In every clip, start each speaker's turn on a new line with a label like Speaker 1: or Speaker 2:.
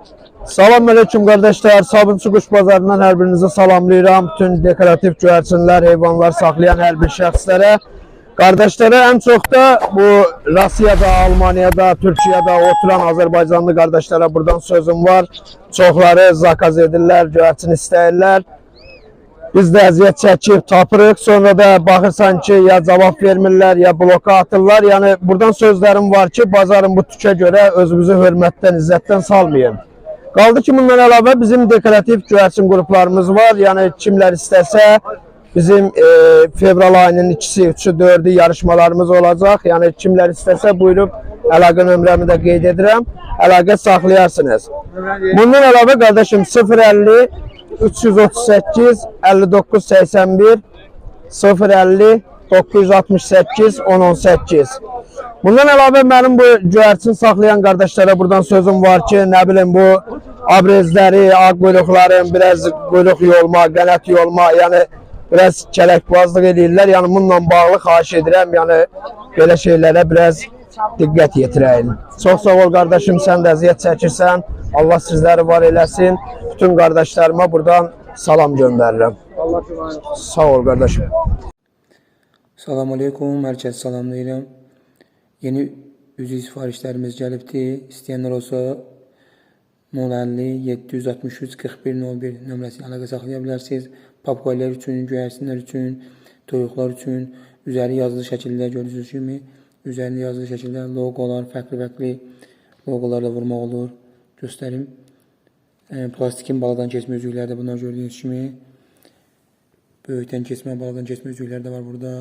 Speaker 1: Selamünaleyküm kardeşler. Sabunçu Kuş Bazarından her birinizi salamlayıram. Bütün dekoratif güvercinler, heyvanlar saklayan her bir şəxslərə. Kardeşlere en çok da bu Rusya'da, Almanya'da, Türkiye'de oturan Azerbaycanlı kardeşlere buradan sözüm var. Çoxları zakaz edirlər, güvercin istəyirlər. Biz də əziyyət çəkib tapırıq. Sonra da baxırsan ki, ya cavab vermirlər, ya bloka atırlar. Yani buradan sözlerim var ki, bazarın bu tükə görə özümüzü hörmətdən, izzətdən salmayın. Qaldı ki, bundan əlavə bizim dekoratif güvercin qruplarımız var. Yani kimlər istəsə bizim fevral ayının 2-si, 3-ü, 4-ü yarışmalarımız olacaq. Yani kimlər istəsə buyurub əlaqə nömrəmi də qeyd edirəm. Əlaqə saxlayarsınız. Bundan əlavə qardaşım 050 338 59 81 050 968 1018. Bundan əlavə mənim bu güvercin saxlayan qardaşlara buradan sözüm var ki, nə bilim bu abrezləri, ağ quyruqların biraz quyruq yolma, qənət yolma, yəni biraz kələkbazlıq edirlər. Yəni bununla bağlı xahiş edirəm, yəni belə şeylərə biraz diqqət yetirəyin. Çox sağ ol qardaşım, sən də əziyyət çəkirsən. Allah sizləri var eləsin. Bütün qardaşlarıma buradan salam göndərirəm. Sağ ol qardaşım.
Speaker 2: Salamünaleyküm, hər kəs salamlayıram. Yeni üzü sifarişlərimiz gəlibdir. İstəyənlər olsa 050 763 4101 nömrəsi əlaqə saxlaya bilərsiniz. Papqaylar üçün, göyərsinlər üçün, toyuqlar üçün üzəri yazılı şəkildə görürsünüz kimi, üzərində yazılı şəkildə loqolar, fərqli loqolarla vurmaq olur. Göstərim. Plastikin baladan keçmə üzükləri də bunlar gördüyünüz kimi. Böyükdən keçmə, baladan keçmə üzükləri də var burada.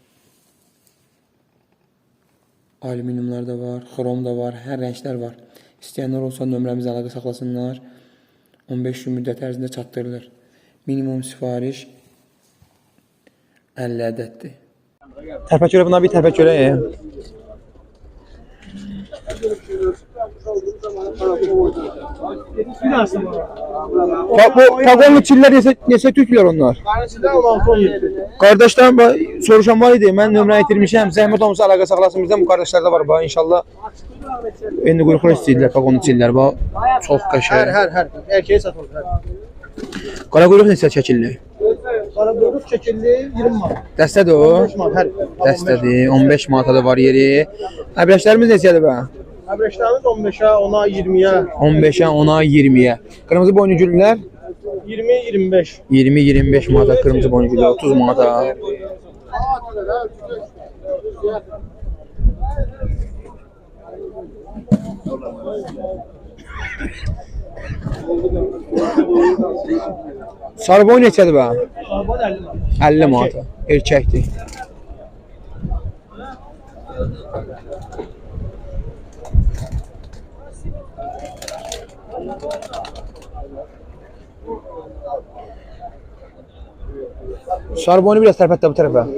Speaker 2: Alüminyumlar da var, xrom da var, hər rənglər var. İstəyənlər olsa nömrəmizə əlaqə saxlasınlar. 15 gün müddət ərzində çatdırılır. Minimum sifariş 50 ədəddir.
Speaker 3: Tərpəkörə buna bir tərpəkörə. Bu pagonlu çiller neçə tüklər onlar? Kardeşlerim soruşan var idi. Mən nömrə itirmişəm. Zəhmət olmasa əlaqə saxlasın bizdən. Bu kardeşlərdə var bax inşallah. İndi quyruqlar istəyirlər pagonlu çiller bax. Çox qəşəng.
Speaker 4: Hər. Erkeğe satılır.
Speaker 3: Qara quyruq neçə çəkilli?
Speaker 4: Qara quyruq çəkildi 20 manat.
Speaker 3: Dəstədir o.
Speaker 4: 15 manat hər.
Speaker 3: Dəstədir. 15 manata da var yeri. Əbrəşlərimiz neçədir bə?
Speaker 4: Əbrəşlərimiz 15-ə, 10-a, 20-yə.
Speaker 3: 15-ə, 10-a, 20-yə. Qırmızı boynu güllər
Speaker 4: 20-25.
Speaker 3: 20-25 manata, qırmızı boynu güllər 30 manata. Sarı boy neçədir bə? 50 manata. Erkəkdir. Sarı boynu biraz tərpətdə bu tərəfə.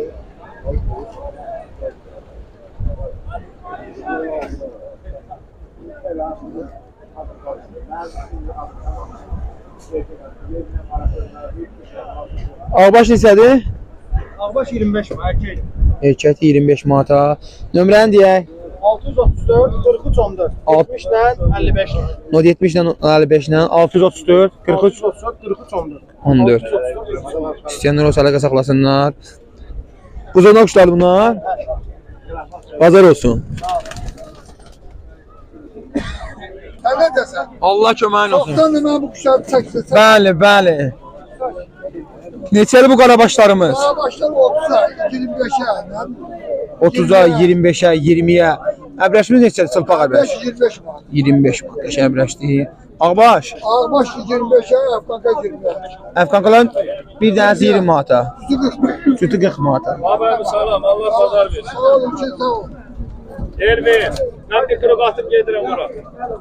Speaker 3: Ağbaş neçədir?
Speaker 4: Ağbaş 25 manat erkek.
Speaker 3: Erkəkdir 25 manata. Nömrəni deyək.
Speaker 4: 634 43 14. 70 ilə 55 ilə.
Speaker 3: 70 ilə 55 ilə 634 43
Speaker 4: 43 14.
Speaker 3: 14. İstəyənlər olsa əlaqə saxlasınlar. Buzana quşlar bunlar. Bazar olsun.
Speaker 5: Sən nə desən?
Speaker 3: Allah köməyin olsun.
Speaker 5: Çoxdan da mən bu kuşları çəksən.
Speaker 3: Bəli. Neçəli bu qarabaşlarımız?
Speaker 5: Daha başlar 30'a, 25'e.
Speaker 3: 30-a, 25-ə, 20-yə. Əbrəşimiz neçədir? Çılpaq əbrəş.
Speaker 5: 25 manat.
Speaker 3: 25 manat. Qəşəng əbrəşdir. Ağbaş.
Speaker 5: Ağbaş 25'e, Afganka 25.
Speaker 3: Əfqanqalan bir dənəsi 20 manata. Sütü 40 manata.
Speaker 6: Abi salam, Allah pazar versin.
Speaker 5: Sağ olun ki, sağ olun.
Speaker 6: Elvin, ben bir kırık atıp gelirim ora.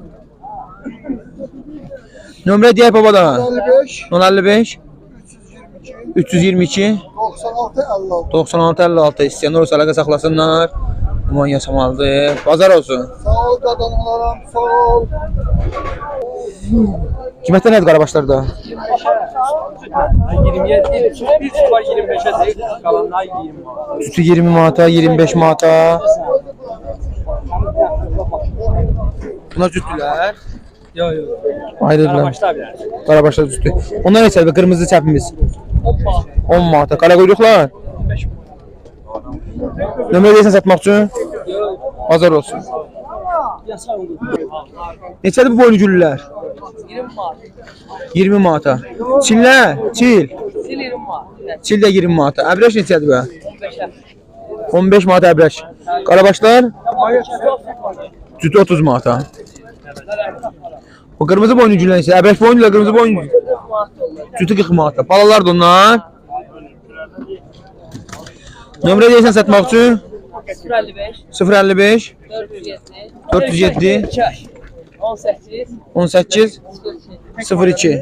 Speaker 3: Nömrə deyək babadan.
Speaker 5: 55,
Speaker 3: 055 322
Speaker 5: 96, 56.
Speaker 3: 96 56 istəyənlər olsa əlaqə saxlasınlar. Aman yaşamalıdır. Bazar olsun.
Speaker 5: Sağ ol qadınlarım, sağ ol.
Speaker 3: Qiymətlər nədir qarabaşlarda?
Speaker 6: 20'ye değil, bir var 25'e değil, kalanlar 20 var.
Speaker 3: Sütü 20 manata, 25 manata. Buna sütülər.
Speaker 6: Yok yok.
Speaker 3: Ayrıdılar.
Speaker 6: Karabaşlar bilər.
Speaker 3: Qarabaşlar üstü. Onlar neçədir? Qırmızı çəpimiz. 10 manata. Qara quyruqlar. Nömrə deyirsən satmaq üçün? Bazar olsun. Neçədir bu boynu güllülər?
Speaker 6: 20 manat.
Speaker 3: 20 manata. Çillər? Çil.
Speaker 6: Sil 20 manat.
Speaker 3: Çil də 20 manata. Əbrəş neçədir bu?
Speaker 6: 15'e.
Speaker 3: 15 manata əbrəş. Qarabaşlar? Cütü 30 manata. O qırmızı boynu güllər neçə? Əbrəş boynu ilə qırmızı boynu. Cütü 40 manata. Balalar da onlar. Nömrə deyirsən satmaq üçün?
Speaker 6: 055.
Speaker 3: 055 407
Speaker 6: 18.
Speaker 3: 18 02.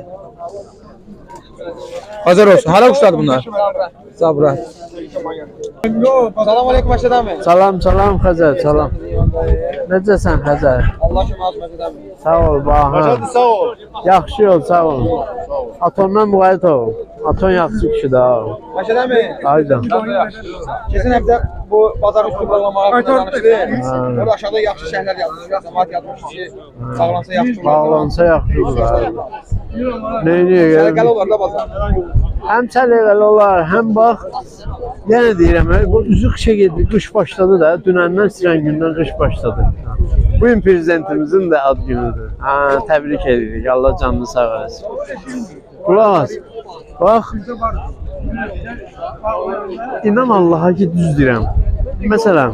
Speaker 3: Hazır olsun. Hala kuşlardı bunlar? Zabra. Salam aleyküm Məşəd əmi.
Speaker 1: Salam, salam Xəzər, salam. Necəsən Xəzər?
Speaker 3: Allah şükür Məşəd əmi.
Speaker 1: Sağ ol, baha.
Speaker 4: Sağ ol.
Speaker 1: Yaxşı ol, sağ ol. Atondan müğayət ol. Aton yaxşı kişidir, ha.
Speaker 3: Məşəd əmi.
Speaker 1: Hayda.
Speaker 3: Keçən həftə bu bazar üstü bağlamağa danışdı.
Speaker 1: Ha.
Speaker 3: Orada aşağıda yaxşı şəhərlər yazmış. Cəmaət yazmış ki, sağlansa yaxşı olar.
Speaker 1: Bağlansa yaxşıdır, ha. Neyini
Speaker 3: Sərqəli
Speaker 1: gəlir?
Speaker 3: olar da bazar.
Speaker 1: Həm səliqəli olar, həm bax, yenə deyirəm, bu üzü qışa gedir, qış başladı da, dünəndən sirən gündən qış başladı. Bugün prezidentimizin də ad günüdür. Ha, təbrik edirik, Allah canını sağ eləsin. Qulaq as, bax, inan Allaha ki, düz deyirəm. Məsələn,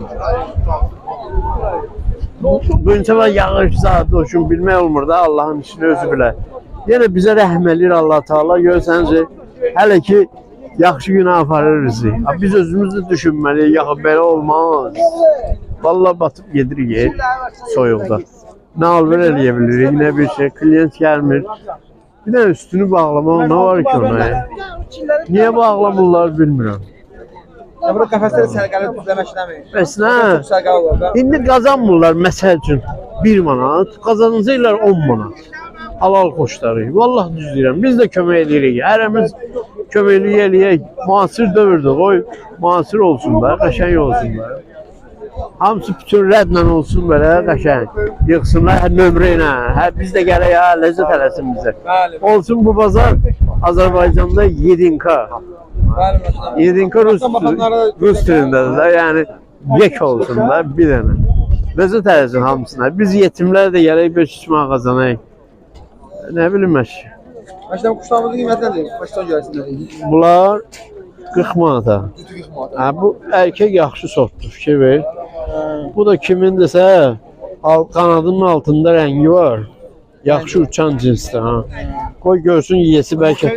Speaker 1: bu insana yağış saat olsun, bilmək olmur da, Allahın işini özü bilər. Yenə bizə rəhm eləyir Allah Taala, görürsənizcə, hələ ki yaxşı günə aparır bizi. Biz özümüz də düşünməliyik, yaxı belə olmaz. Vallahi batıb gedirik soyuqda. Nə alver eləyə bilirik, nə bir şey, klient gəlmir. Bir də üstünü bağlamaq nə var ki ona? Niyə bağlamırlar bilmirəm.
Speaker 3: Ya burada qəfəsləri sərqəli düzləmək istəmir.
Speaker 1: Bəs nə?
Speaker 3: Çox sərqəli olar da.
Speaker 1: İndi qazanmırlar məsəl üçün 1 manat, qazanacaqlar 10 manat. Halal xoşları. Vallahi düz deyirəm. Biz də kömək edirik. Hərəmiz köməklik eləyək. Müasir dövrdür. Qoy müasir olsun da, qəşəng olsun da. Hamısı bütün rədlə olsun belə qəşəng. Yığsınlar hər nömrə ilə. Hər biz də gələk ha, ləzzət eləsin bizə.
Speaker 3: Bəli.
Speaker 1: Olsun bu bazar Azərbaycanda 7K.
Speaker 3: Bəli, Məşəd əmi.
Speaker 1: 7K Rus dilindədir də. Yəni yek olsun da bir dənə. Ləzzət eləsin hamısına. Biz yetimlər də gələk 500 manat qazanayıq. Nə bilim mən.
Speaker 3: Məşəd əmi quşlarımızın qiyməti nədir? Başdan görəsiniz.
Speaker 1: Bunlar 40 manata.
Speaker 3: Cütü 40 manat.
Speaker 1: Ha, bu erkek yaxşı sortdur, fikir ver. Bu da kimindirsə, qanadının altında rəngi var. Yaxşı uçan cinsdir ha. Qoy görsün yiyesi bəlkə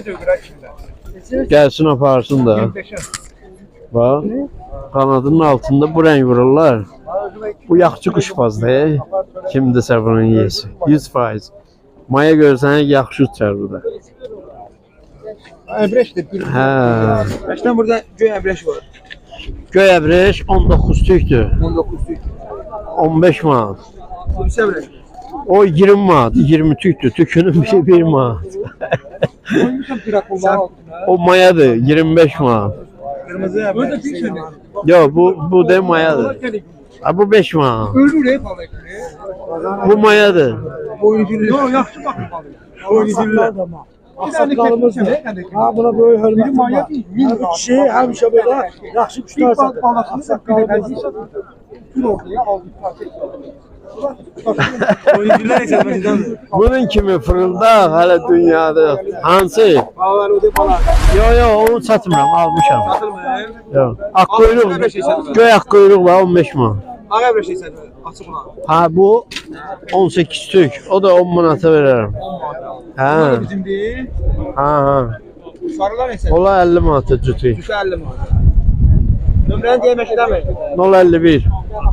Speaker 1: gəlsin aparsın da. Bax, qanadının altında bu rəng vururlar. Bu yaxşı quşbazdır. Kimdirsə bunun yiyesi. 100%. Maya görsən yaxşı uçar bu da.
Speaker 3: Əbrəşdir.
Speaker 1: Hə.
Speaker 3: Məşəd əmi burada göy əbrəş var.
Speaker 1: Göy əbrəş 19 tükdür.
Speaker 3: 19 tük.
Speaker 1: 15 manat.
Speaker 3: Hulusi əbrəş.
Speaker 1: O 20 manat, 20 tüktür. Tükünün bir 1 manat.
Speaker 3: Koymuşam pirakollar altına.
Speaker 1: O mayadır, 25 manat.
Speaker 3: Kırmızı əbrəş.
Speaker 1: Yok bu da mayadır. Ha, bu 5 manat.
Speaker 3: Ölür hep balık.
Speaker 1: Bu mayadır.
Speaker 3: Oyuncular. Yok yaxşı baxın balık. Oyuncular.
Speaker 4: Aksaqqalımız ne? Ha buna böyle hörmətim var. Bu kişi həmişə belə yaxşı quşlar satır. Aksaqqalımız.
Speaker 3: Oyuncular neçə Məşəd əmi?
Speaker 1: Bunun kimi fırıldaq hələ dünyada. Hansı?
Speaker 3: Bağlar o da balık.
Speaker 1: Yo onu satmıram, almışam.
Speaker 3: Satılmır.
Speaker 1: Yo. Ak quyruq, göy ak quyruq var 15 manat.
Speaker 3: Ağ əbrəş isə açıq olan.
Speaker 1: Ha bu 18 tük. O da 10 manata verərəm. Ha.
Speaker 3: Bizimdir.
Speaker 1: Ha.
Speaker 3: Sarılar neçə?
Speaker 1: Ola 50 manata cütü.
Speaker 3: Düşə 50 manat. Nömrəni deyə Məşəd əmi.
Speaker 1: 051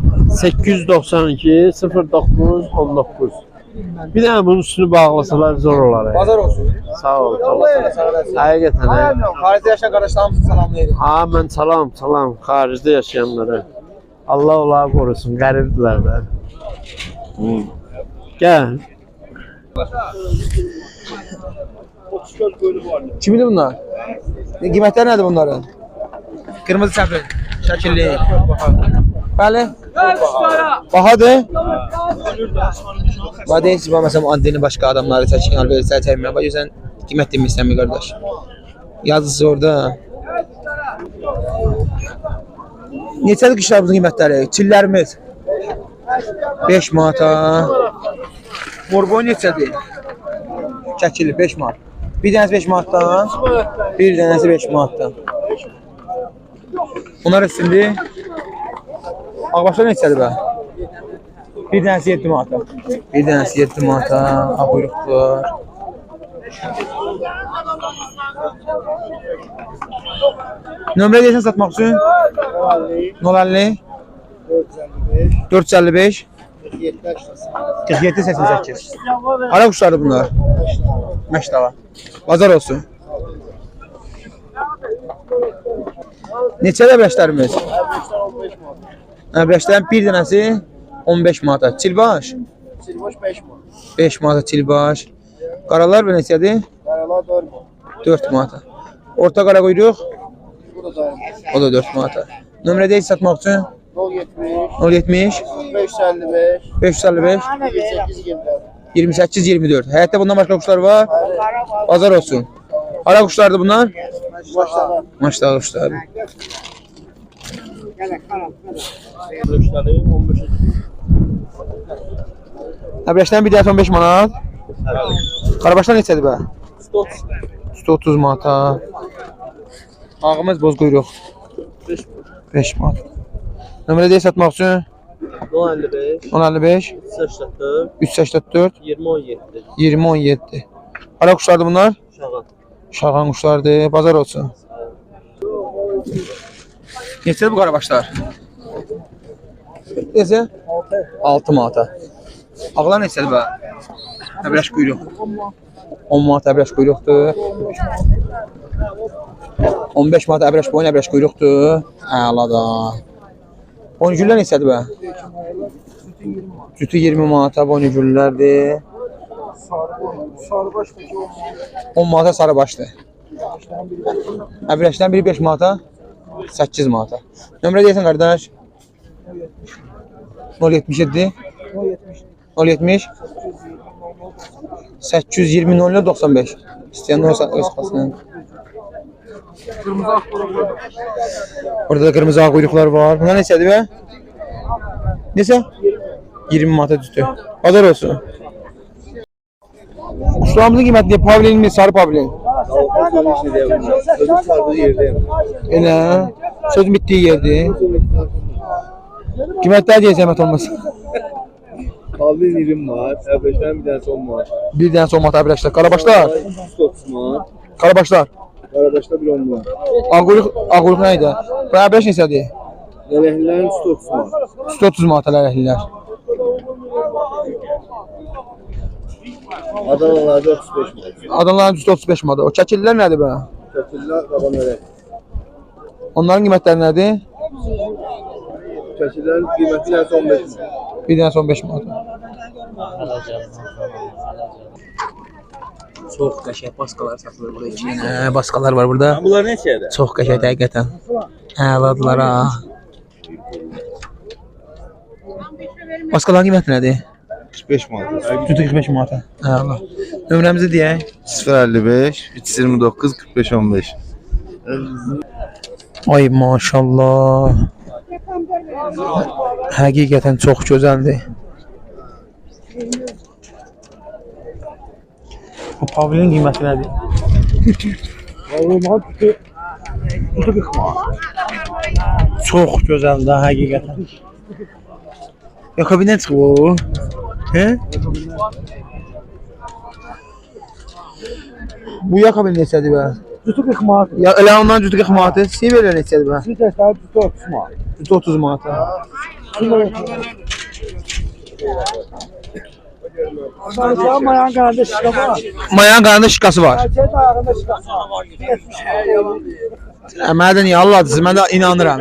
Speaker 1: 892 09 19. Bir dənə bunun üstünü bağlasalar zor olar.
Speaker 3: Bazar olsun.
Speaker 1: Sağ ol.
Speaker 3: Sağ olasın.
Speaker 1: Həqiqətən.
Speaker 3: Xaricdə yaşayan qardaşlarımızı salamlayırıq.
Speaker 1: Ha mən salam xaricdə yaşayanlara. Allah onları qorusun, qəribdilər də. Gəl.
Speaker 3: Kimindir bunlar? Qiymətləri nədir bunların? Qırmızı çəpli, şəkilli. Bəli. Bahadır. Bax deyirsiz, məsələn, anteni başqa adamları çəkin, alversə çəkmə. Bax, sən qiymət demirsən mi, qardaş? Yazısı orada. Neçədir qışlarımızın qiymətləri? Çillərimiz 5 manata. Morboy neçədir? Çəkili 5 manat. Bir dənəsi 5 manatdan, bir dənəsi 5 manatdan. Bunlar üstündür. Ağbaşlar neçədir bə? Bir dənəsi 7 manata. Bir dənəsi 7 manata. Ağ quyruqdur. Nömrə deyirsən satmaq üçün? 050 455 47 88. Ara quşlardır bunlar. Məşdava. Bazar olsun. Neçə əbrəşlərimiz? Əbrəşlərin bir dənəsi 15 manata. Çilbaş?
Speaker 5: Silboş 5 manat.
Speaker 3: 5 manata çilbaş. Qaralar və neçədir?
Speaker 5: Qaralar 4 manat.
Speaker 3: 4 manata. Orta qara quyruq?
Speaker 5: Bu da 4 manat.
Speaker 3: O da 4 manata. Nömrə deyil satmaq üçün?
Speaker 5: 070
Speaker 3: 070
Speaker 5: 555
Speaker 3: 555
Speaker 5: 28 24.
Speaker 3: 28 24. Həyatda bundan başqa quşlar var. Bazar olsun. Hara quşlardır bunlar?
Speaker 5: Maşallah.
Speaker 3: Maşallah quşlar. Əbrəşlərin bir dənəsi 15 manat. Qarabaşlar neçədir bə? 130 manata. Ağımız boz quyruq. 5 manat. Nömrə deyil satmaq üçün? 1055 384 2017. Hara quşlardır bunlar? Şağan quşlardır. Bazar olsun. Neçədir bu qarabaşlar? Neçə? 6 manata. Ağlar neçədir bə? Əbrəş quyruq. 10 manat əbrəş quyruqdur. 15 manat əbrəş boyun əbrəş quyruqdur. Əla. Boyngüllər neçədir bə? Cütü 20 manata boyngüllərdir. 10 manata sarıbaşdır. Əbrəşdən biri 5 manata, 8 manata. Nömrə deyəsən qardaş? 077 070 820 00 95. İstəyən olsa öz xasının. Orada da qırmızı ağ quyruqlar var. Bunlar neçədir bə? Neçə? 20 manata cütü. Bazar olsun. Quşlarımızın qiyməti nə? Pavlin mi? Sarı pavlin?
Speaker 5: Sözün sardığı yerdeyim.
Speaker 3: Elə. Sözün bitdiyi yerdir. Qiymətlər deyə zəhmət olmasın.
Speaker 5: Pavlin 20 var. Əbrəşlərin bir dənəsi 10 var.
Speaker 3: Bir dənəsi 10 manat əbrəşlər. Qarabaşlar?
Speaker 5: 130 manat.
Speaker 3: Qarabaşlar?
Speaker 5: Qarabaşda bir 10 var.
Speaker 3: Ağ quyruq nə idi? Bu əbrəş neçədir?
Speaker 5: Lələklilərin 130 manat.
Speaker 3: 130 manat lələhlilər.
Speaker 5: Adanalarda 35 manat.
Speaker 3: Adamların 135 manat. O çəkillər nədir bə?
Speaker 5: Çəkirlər qaban lələk.
Speaker 3: Onların qiymətləri nədir?
Speaker 5: Çəkirlərin qiyməti bir dənəsi 15 manat.
Speaker 3: Bir dənəsi 15 manat. Çox qəşəng baskalar satılır burada. 2 dənə baskalar var burada.
Speaker 6: Bunlar neçədir?
Speaker 3: Çox qəşəng həqiqətən. Əladılar ha. Baskaların qiyməti nədir?
Speaker 5: 45 manat.
Speaker 3: Cütü 45 manata. Əla. Nömrəmizi deyək.
Speaker 5: 055 329 45 15.
Speaker 3: Ay maşallah. Həqiqətən çox gözəldir. Bu pavlin qiyməti nədir? Çox gözəldir həqiqətən. Yakabindən çıxıb o. He? Bu yakabin neçədir bə?
Speaker 4: Cütü 40 manat.
Speaker 3: Ya elə ondan cütü 40 manatı. Siverlər neçədir bə?
Speaker 4: Bir dəstə cütü 30 manat.
Speaker 3: Cütü 30 manata.
Speaker 4: Sadəcə mayan qanında şiqa var.
Speaker 3: Mayanın qanında şiqası var.
Speaker 4: Erkəyin ayağında şiqası var.
Speaker 3: Mənə də niyə Allah'dır, mən də inanıram.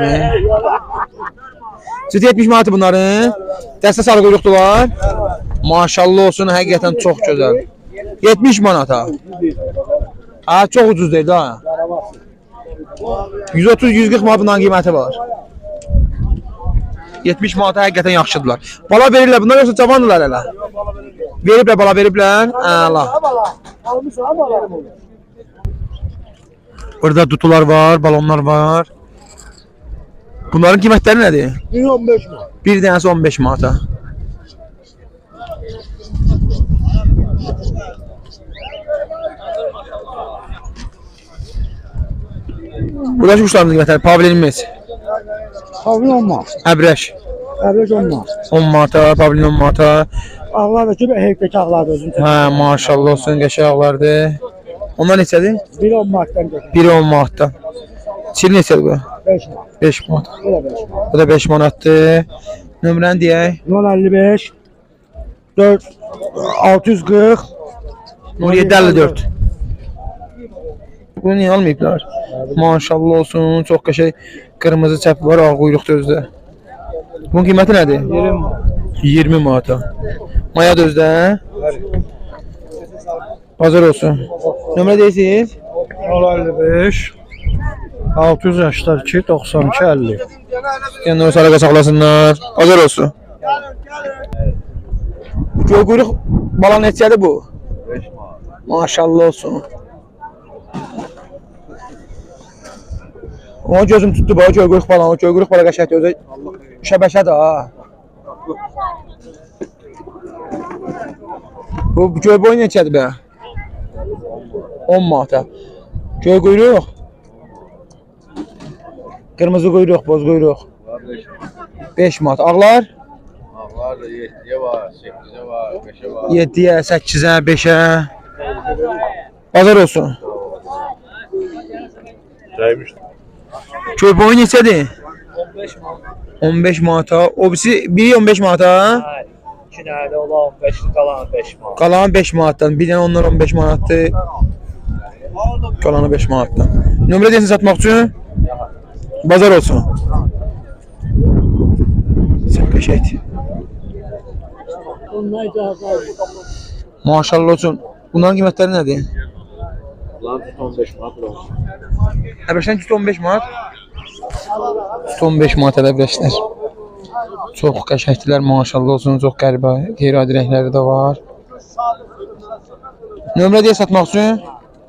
Speaker 3: Cütü 70 manatı bunların. Dəstə sarı quyruqdular. Maşallah olsun, həqiqətən çox gözəl. 70 manata. Ha, çox ucuz deyil ha. 130-140 manat bunların qiyməti var. 70 manata həqiqətən yaxşıdırlar. Bala verirlər, bunlar yoxsa cavandırlar hələ? Veriblər, bala veriblər. Allah.
Speaker 4: Almışam bala.
Speaker 3: Burada dutular var, balonlar var. Bunların qiymətləri nədir?
Speaker 4: 15 manat.
Speaker 3: Bir dənəsi 15 manata. Buradakı quşlarımızın qiymətləri pavilinimiz.
Speaker 4: Pavlin 10 manat.
Speaker 3: Əbrəş
Speaker 4: Əvvəl 10 manat.
Speaker 3: 10 manata, pavlin 10 manata.
Speaker 4: Ağlar da ki, heyftəki ağlar da özünü.
Speaker 3: Hə, maşallah olsun, qəşənglərdir. Onlar neçədir?
Speaker 4: Biri 10 manatdan götür.
Speaker 3: Biri 10 manatdan. Çil neçədir bu?
Speaker 4: 5 manat.
Speaker 3: 5 manat.
Speaker 4: Bu da 5 manat.
Speaker 3: Bu da 5 manatdır. Nömrəni deyək.
Speaker 4: 055 4 640
Speaker 3: 0754. Bunu niyə almayıblar? Maşallah olsun, çox qəşəng qırmızı çəp var, ağ quyruqda özdə. Bunun qiyməti nədir? 20 manata. Maya da özdə. Bazar olsun. Nömrə deyirsiniz?
Speaker 4: 055 682 92 50.
Speaker 3: Yəni o sələqə saxlasınlar. Bazar olsun. Göy quyruq bala neçədir bu?
Speaker 5: 5 manat.
Speaker 3: Maşallah olsun. O gözüm tutdu bu göy quyruq balanı. Göy quyruq bala qəşəngdir özü. Şəbəkədir ha. Bu göy boyu neçədir bə? 10 manata. Göy quyruq. Qırmızı quyruq, boz quyruq. 5 manat. Ağlar?
Speaker 5: Ağlar da 7'ye var, 8'e var, 5'e var.
Speaker 3: 7-yə, 8-ə, 5-ə. Bazar olsun.
Speaker 5: Saymış.
Speaker 3: Göy boyu neçədir? 15 manata. O birisi biri 15 manata.
Speaker 6: 2 dənə də ola 15, qalan 5 manat.
Speaker 3: Qalan 5 manatdan. Bir dənə onlar 15 manatdır. Qalanı 5 manatdan. Nömrə deyəsən satmaq üçün? Bazar olsun. Sən qəşəkdir. Maşallah olsun. Bunların qiymətləri nədir?
Speaker 5: Lan tut 15 manat olmuş.
Speaker 3: Əbrəşdən tut 15 manat. Tut 15 manat əbrəşlər. Çox qəşəngdilər, maşallah olsun. Çox qəribə, qeyri-adi rəngləri də var. Nömrə deyə satmaq üçün?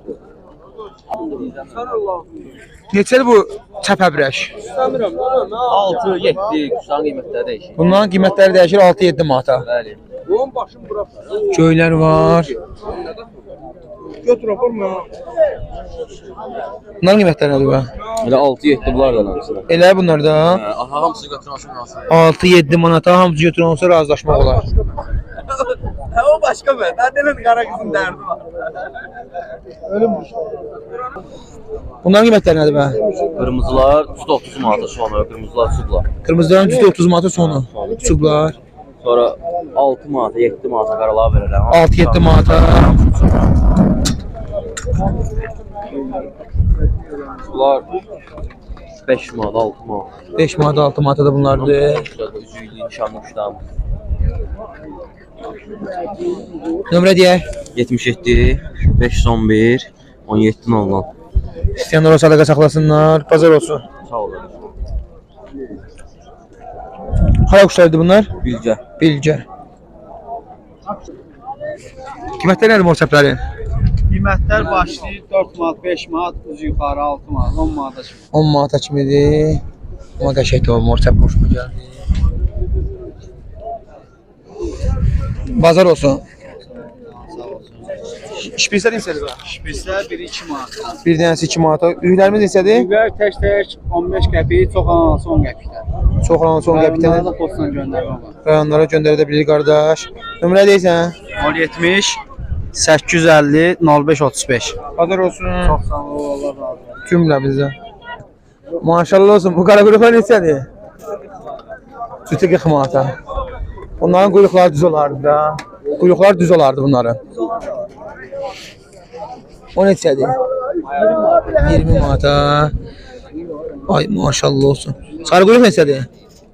Speaker 3: Neçədir bu çəp əbrəş?
Speaker 6: 6, 7 quşların qiymətləri dəyişir.
Speaker 3: Bunların qiymətləri dəyişir 6-7 manata.
Speaker 6: Bəli. Bunun başın bura.
Speaker 3: Göylər var.
Speaker 6: Götür aparma.
Speaker 3: Bunların qiymətləri nədir bə?
Speaker 6: Elə 6-7 bunlar da hamısı.
Speaker 3: Elə bunlar da
Speaker 6: Aha hamısı götürməsin lazım.
Speaker 3: 6-7 manata hamısı götürən olsa razılaşmaq olar.
Speaker 6: Ha o başqa bə. Dərdinin qara qızın dərdi var.
Speaker 3: Bunların qiymətləri nədir bə?
Speaker 6: Qırmızılar 30 manata sonra, qırmızılar çublar.
Speaker 3: Qırmızıların cüzdə 30 manata sonu. Çublar.
Speaker 6: Sonra 6 manata, 7 manata qaralar verirəm.
Speaker 3: 6-7 manata.
Speaker 6: Bunlar 5 manat, 6 manat.
Speaker 3: 5 manata, 6 manata da bunlardır.
Speaker 6: Üzüylü, nişanlı quşlarım.
Speaker 3: Nömrə deyək.
Speaker 6: 77 511 17 00.
Speaker 3: İstəyənlər olsa əlaqə saxlasınlar. Bazar olsun.
Speaker 6: Sağ olun.
Speaker 3: Hara quşlardır bunlar?
Speaker 6: Bilgə.
Speaker 3: Bilgə. Qiymətləri nədir morçəplərin?
Speaker 7: Qiymətlər başlayır 4 manat, 5 manat, üzü yuxarı 6 manat, 10 manata kimi.
Speaker 3: 10 manata kimidir. Amma qəşəngdir o morçəp xoşuma gəldi. Bazar olsun. Şpitslər neçədir bə?
Speaker 7: Şpitslər 1-2 manat.
Speaker 3: Bir dənəsi 2 manata. Üzüklərimiz neçədir?
Speaker 7: Düylər tək 15 qəpik, çox anası 10 qəpiklər.
Speaker 3: Çox olan son qəpikdən
Speaker 7: Rayonlara da postla göndərmə var.
Speaker 3: rayonlara göndərə də bilir qardaş. Nömrə deyirsən?
Speaker 7: 070 850 05 35.
Speaker 3: Bazar olsun.
Speaker 7: Çox sağ ol, Allah razı olsun.
Speaker 3: Cümlə bizə. Maşallah olsun. Bu qara quyruqlar neçədir? Cütü 40 manata. Bunların quyruqları düz olardı da. Quyruqlar düz olardı bunların. O neçədir? 20 manata. Ay maşallah olsun. Sarı quyruq neçədir?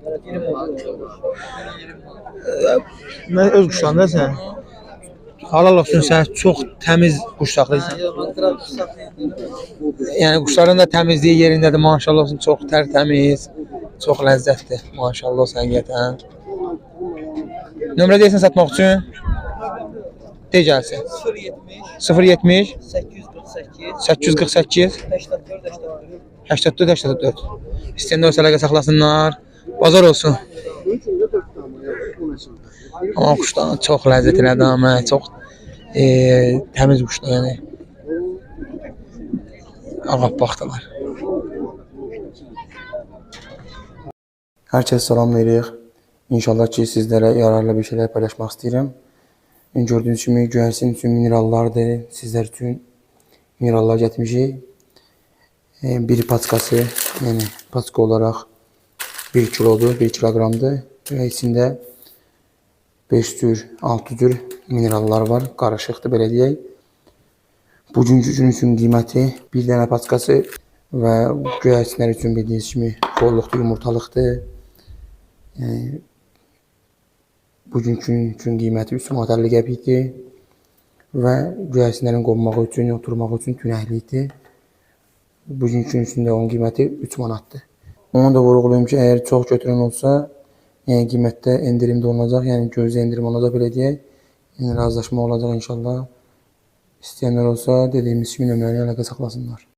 Speaker 3: Mən öz quşlarım da sən. Halal olsun sən çox təmiz quş saxlayırsan. Yəni quşların da təmizliyi yerindədir maşallah olsun çox tərtəmiz. Çox ləzzətli. Maşallah olsun həqiqətən. Nömrə deyirsən satmaq üçün? De gəlsin. 070 848 84 İstəyəndə olsa əlaqə saxlasınlar. Bazar olsun. Amma quşlar çox ləzzətlidir amma çox təmiz quşlar yəni. Ağappaqdılar. Hər kəs salamlayırıq. İnşallah ki, sizlərə yararlı bir şeylər paylaşmaq istəyirəm. Gördüyünüz kimi göyərçin üçün minerallardır. Sizlər üçün minerallar gətirmişik. Bir paçkası, yəni paçka olaraq 1 kilodur, 1 kiloqramdır. Və içində 5 tür, 6 tür minerallar var. Qarışıqdır, belə deyək. Bugünkü gün üçün qiyməti bir dənə paçkası və göyərçinlər üçün bildiyiniz kimi bolluqdur, yumurtalıqdır. Bugünkü üçün qiyməti 3 manat 50 qəpikdir və göyərçinlərin qonmağı üçün, oturmağı üçün tünəklikdir. Bugünkü üçün də onun qiyməti 3 manatdır. Onu da vurğulayım ki, əgər çox götürən olsa, yəni qiymətdə endirim də olacaq, yəni gözlə endirim olacaq, belə deyək. Yəni razılaşma olacaq inşallah. İstəyənlər olsa, dediyimiz kimi nömrəni əlaqə saxlasınlar.